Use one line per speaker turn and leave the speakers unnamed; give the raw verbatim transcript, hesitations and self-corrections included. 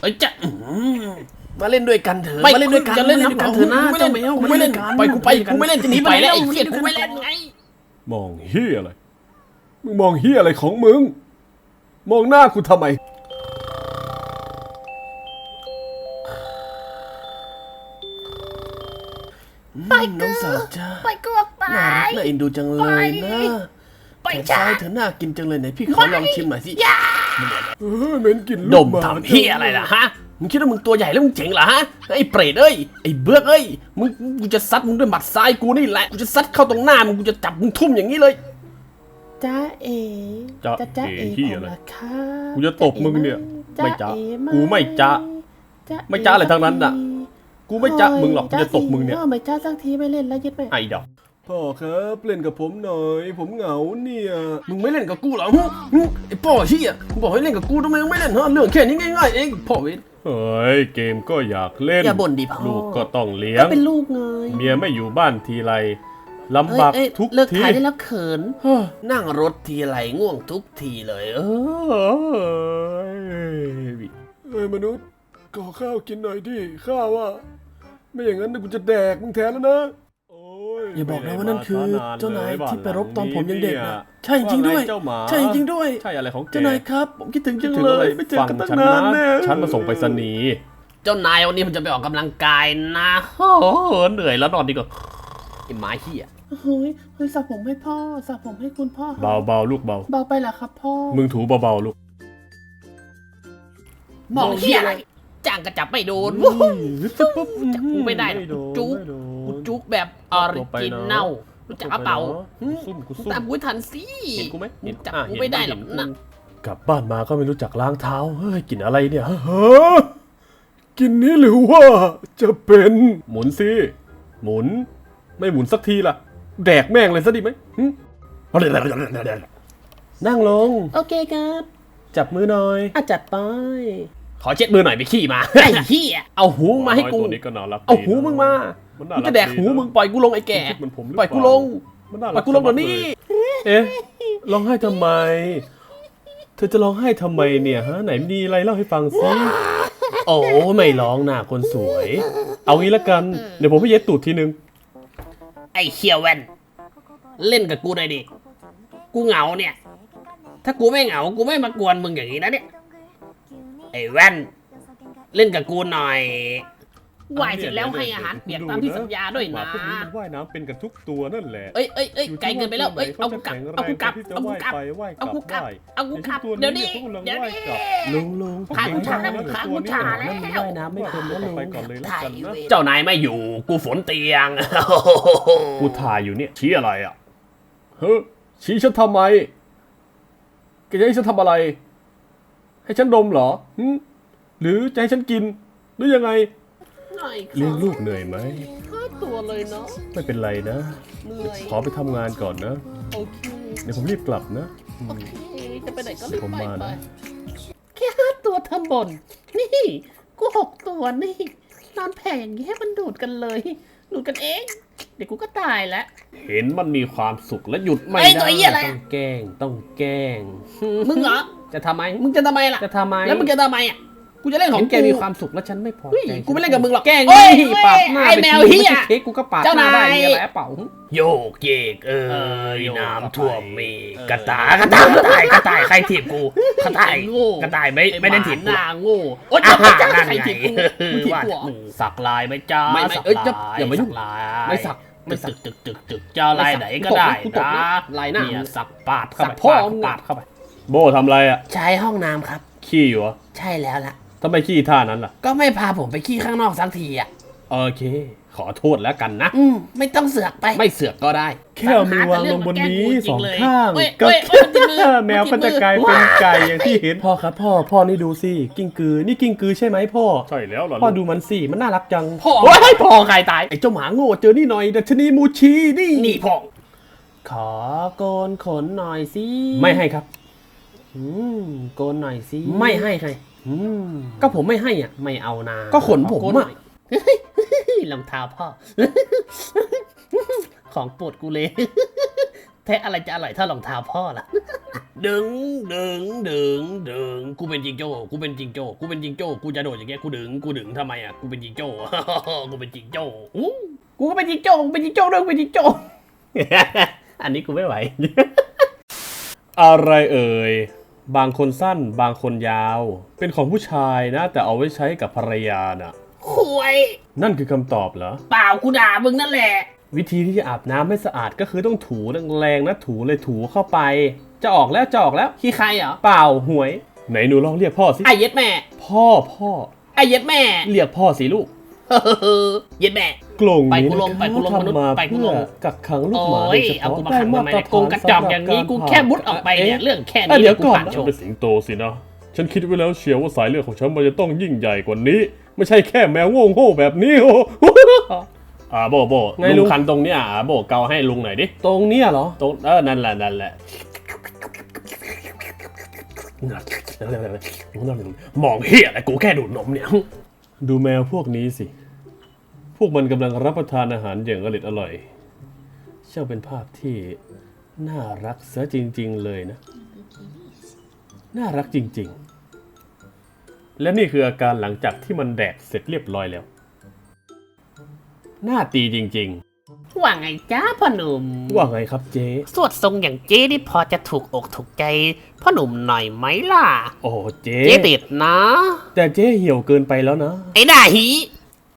อ้ยจะ
มาเล่นด้วยกันเถอะมาเล่นด้วยกัน
จะเล่นด้วยกันเถอะนะเจ้าแมวกูไม่เล่นไปกูไปกูไม่เล่นจะหนีไปแล้วไอ้เหี้ยกูไม่เล่นไง
มองเฮียอะไรมึงมองเฮียอะไรของมึงมองหน้ากูทำไม
ไปน้องสาวจ้า
ไปกูออกไป
น่ารักน่าเอ็นดูจังเลยนะไปจ้าเธอน่ากินจังเลยไหนพี่ขอลองชิมหน่อยสิ
เออเหม็นกลิ่น
ดมทำเฮียอะไรล่ะฮะมึงคิดว่ามึงตัวใหญ่แล้วมึงเจ๋งเหรอฮะไอ้เปรตเอ้ยไอ้เบือกเอ้ยมึงกูจะซัดมึงด้วยหมัดซ้ายกูนี่แหละกูจะซัดเข้าตรงหน้ามึงกูจะจับมึงทุ่มอย่างนี้เลย
จ้าเอ๋
จ้าเอ๋เฮียอะไรกูจะตบมึงเนี่ยไม่จ้ากูไม่จ้าไม่จ้าอะไรทั้งนั้นน่ะกูไม่จ้ามึงหรอกกูจะตบมึงเนี่ย
ไม่จ้าสักทีไม่เล่นแล้วยึดไป
ไอ้ดอกพ่อครับเล่นกับผมหน่อยผมเหงาเนี่ย
มึงไม่เล่นกับกูเหรอไอ้พ่อเฮียกูบอกให้เล่นกับกูทำไมมึงไม่เล่นฮะเรื่องแค่นี้ง่ายๆเองพ่อเวท
เฮ้ยเกมก็อยากเล่น
อย่าบ่นดิพ่อ
ลูกก็ต้องเลี้ยง
ก็เป็นลูกไง
เมียไม่อยู่บ้านทีไรลำบากทุกที
เลิกถ่ายได้แล้วเขินนั่งรถทีไรง่วงทุกทีเลยเออ
เฮ้ยมนุษย์ขอข้าวกินหน่อยดิข้าวอ่ะไม่อย่างนั้นกูจะแดกมึงแทนแล้วนะ
อย่าบอกนะว่านั่นคือเจ้านายที่ไปรบตอนผมยังเด็กนะใช่จริงด้วยใช่จริงด้วย
ใช่อะไรของแก
เจ้านายครับผมคิดถึงจังเลยไม่เจอกันตั้งนานแน่
ฉันมาส่งไปสนี
เจ้านายวันนี้มันจะไปออกกำลังกายนะโอ้เหนื่อยแล้วนอนดีกว่าไอ้หมาเหี้ย
เฮ้ยเฮ้ยสระผมให้พ่อสระผมให้คุณพ่อ
เบาเบาลูกเบา
เบาไปเหรอครับพ่อ
มึงถูเบาๆลูก
มองเหี้ยอะไรจ้างกระจับไม่โดนวู้จับกูไม่ได้จุกกูจุกแบบออริจินัลรู้จักเปล่าตามกูทันสิ
เห็นกูไหม
เห็นจับกูไม่ได้หรอกนะ
กลับบ้านมาก็ไม่รู้จักล้างเท้าเฮ้ยกินอะไรเนี่ยฮะกินนี้หรือว่าจะเป็นหมุนสิหมุนไม่หมุนสักทีล่ะแดกแม่งเลยซะดีไหมนั่งลง
โอเคครับ
จับมือหน่อย
อ่ะจัดไป
ขอเช็ดมือหน่อยไปขี้มาไอ้เหี้ยเอาหูมาให้กูเอาหูมึงมากูจะแดกหูมึงปล่อยกูลงไอ้แก่ปล่อยกูลงปล่อยกูลงเดี๋ยวนี้
เอ๊ะร้องไห้ทำไมเธอจะร้องไห้ทำไมเนี่ยฮะไหนมีอะไรเล่าให้ฟังซิโอ้ไม่ร้องนะคนสวยเอางี้ละกันเดี๋ยวผมไปเย็ดตูดทีนึง
ไอ้เขี้ยวแว่นเล่นกับกูหน่อยดิกูเหงาเนี่ยถ้ากูไม่เหงากูไม่มากวนมึงอย่างนี้นะเนี่ยไอ้แว่นเล่นกับกูหน่อยว่ายเสร็จแล้วให้อาหารเปียกตามที่สัญญาด้วยนะ
พวกนี้มันว่ายน้ำเป็นกันทุกตัวนั่นแหละ
เอ้ยเอ้ยเอ้ยไกลเกินไปแล้วเอ้ยเอากูกลับเอากูกลับเอากูกลับเอากูกลับเอากูกลับเดี๋ยวนี้เดี๋ยวนี้
ลุงลุง
พากูชาแล้วพากูชาแล้ว
ว่ายน้ำไม่เป็นแล้วลุง
เจ้านายไม่อยู่กูฝนเตียง
กูถ่ายอยู่เนี่ยชี้อะไรอ่ะเฮ้ยชี้ฉันทำไมแกจะให้ฉันทำอะไรให้ฉันดมเหรอหรือจะให้ฉันกินหรือยังไงเลี้ยงลูกเหนื่อยไหม
ตัวเลยเนาะ
ไม่เป็นไรนะขอไปทำงานก่อนนะ
โอเค
เดี๋ยวผมรีบกลับนะ
โอเคจะไปไหนก็รีบไปไป
แค่ห้าตัวทำบ่นนี่กูหกตัวนี่นอนแผ่อย่างนี้ให้มันดูดกันเลยดูดกันเองเดี๋ยวกูก็ตายแล้ว
เห็นมันมีความสุขและหยุดไม่ได้ต้องแกล้งต้องแกล้ง
มึงเหรอจะทำไมมึงจะทำไมล่ะ
จะทำไม
แล้วมึงจะทำไมอ่ะกูจะเล่นของ
แกมีความสุขแล้วฉันไม่พอใจ
กูไม่เล่นกับมึงหรอก
แกล้งปาดหน้าไปทีไม่ใช่เค้กกูก็ปาดหน้าได้เนี่ยแหละเปล่า
โยกเยกเอ้ยน้ำท่วมมีกระต่ายกระต่ายกระต่ายกระต่ายใครถีบกูกระต่ายกระต่ายไม่ไม่ได้ถีบหน้าโง่โอ๊ยใครถีบกูมึงถีบกูสักลายไหมจ้า
ไม่ไม่เอ้ยอย่ามายุ่ง
ไม่สักไม่สักตึกตึกตึกเจ้าลายไหนก็ได้นะ
ลายหน้า
เนี่ยสักปาดเข้าไป
ปาดเข้าไปโบทำอะไรอ่ะ
ใช้ห้องน้ำครับ
ขี้อยู่
ใช่แล้วล่ะ
ทำไมขี้ท่านั้นล่ะ
ก็ไม่พาผมไปขี้ข้างนอกสักทีอ่ะ
โอเคขอโทษแล้วกันนะ
อืมไม่ต้องเสือกไป
ไม่เสือกก็ได้
แค่มือวางลงบนนี้สองข้างก็แมวก็จะกลายเป็นไก่อย่างที่เห็นพ่อครับพ่อพ่อนี่ดูสิกิ้งกือนี่กิ้งกือใช่ไหมพ่อใช่แล้วเหรอพ่อดูมันสิมันน่ารักจัง
พ่อให้พ่อใครตาย
ไอ้เจ้าหมาโง่เจอนี่หน่อยดัชนีมูชีนี่
นี่พ่อ
ขอโกนขนหน่อยสิ
ไม่ให้ครับ
อืมโกนหน่อยสิ
ไม่ให้ใคร
อืม
ก็ผมไม่ให้อ่ะไม่เอานา
ก็ขนผมอ่ะ
รองเท้าพ่อของโปรดกูเลยแท้อะไรจะอร่อยเท่ารองเท้าพ่อล่ะดึงดึงดึงดึงกูเป็นจิงโจ้กูเป็นจิงโจ้กูเป็นจิงโจ้กูจะโดดอย่างเงี้ยกูดึงกูดึงทำไมอ่ะกูเป็นจิงโจ้ กูเป็นจิงโจ้อู้
กูก็เป็นจิงโจ้กูเป็นจิงโจ้ด้วยกูเป็นจิงโจ้
อันนี้กูไม่ไหว
อะไรเอ่ย บางคนสั้น บางคนยาว เป็นของผู้ชายนะ แต่เอาไว้ใช้กับภรรยาน่ะ
คุย
นั่นคือคำตอบเหรอ
เปล่ากูด่ามึงนั่นแหละ
วิธีที่จะอาบน้ำให้สะอาดก็คือต้องถูแรงๆนะถูเลยถูเข้าไป จะออกแล้วจะออกแล้ว
ขี้ใครเหรอ
เปล่าหวย ไหนหนูลองเรียกพ่อสิ
ไอ้เย็ดแม่
พ่อพ่อ
ไอ้เย็ดแม่
เรียกพ่อสิลูก
เย็ดแม่
กลง
ไป
นี้
กูลง
นะคะ
ไปกูลงมนุษย์
ทำมา
ไปกูลง
เพื่อกักขังลูกหมา
โอ้
โด
ย
ยเฉ
เอา
พาะ
กูมา
ได้
ขัง
มา
ทำไม
ตร
เนี่ยโกงกระจอกอย่างนี้กูแค่มุดออกไปเนี่ยเรื่องแค่นี้
อ่ะเดี๋ยวก่อน
ผ่าน
นะ
โชว์
เป็นสิงโตสินะ ฉันคิดไว้แล้วเชียวว่าสายเลือดของฉันมันจะต้องยิ่งใหญ่กว่านี้ ไม่ใช่แค่แมวโง่ๆแบบนี้โอ้
อ่าโบโบ
ไงลุง
ลุงคันตรงเนี้ยอ่าโบเกาให้ลุงหน่อยดิ
ตรงเนี้ยเหรอ
ตรงเออนั่นแหละนั่นแหละมองเหี้ยอะไรกูแค่ดูดนมเนี่ย
ดูแมวพวกนี้สิ พวกมันกำลังรับประทานอาหารอย่างอร่อยอร่อยช่างเป็นภาพที่น่ารักซะจริงๆเลยนะ น่ารักจริงๆ และนี่คืออาการหลังจากที่มันแดกเสร็จเรียบร้อยแล้ว หน้าตีจริง
ว่าไงจ้าพ่อหนุ่ม
ๆ ว่าไงครับเจ๊
สวดทรงอย่างเจ๊นี่พอจะถูกอกถูกใจพ่อหนุ่มหน่อยไหมล่ะ
โอ้เจ๊
เจ๊ติดนะ
แต่เจ๊เหี่ยวเกินไปแล้วนะ
ไอ้หน้าหี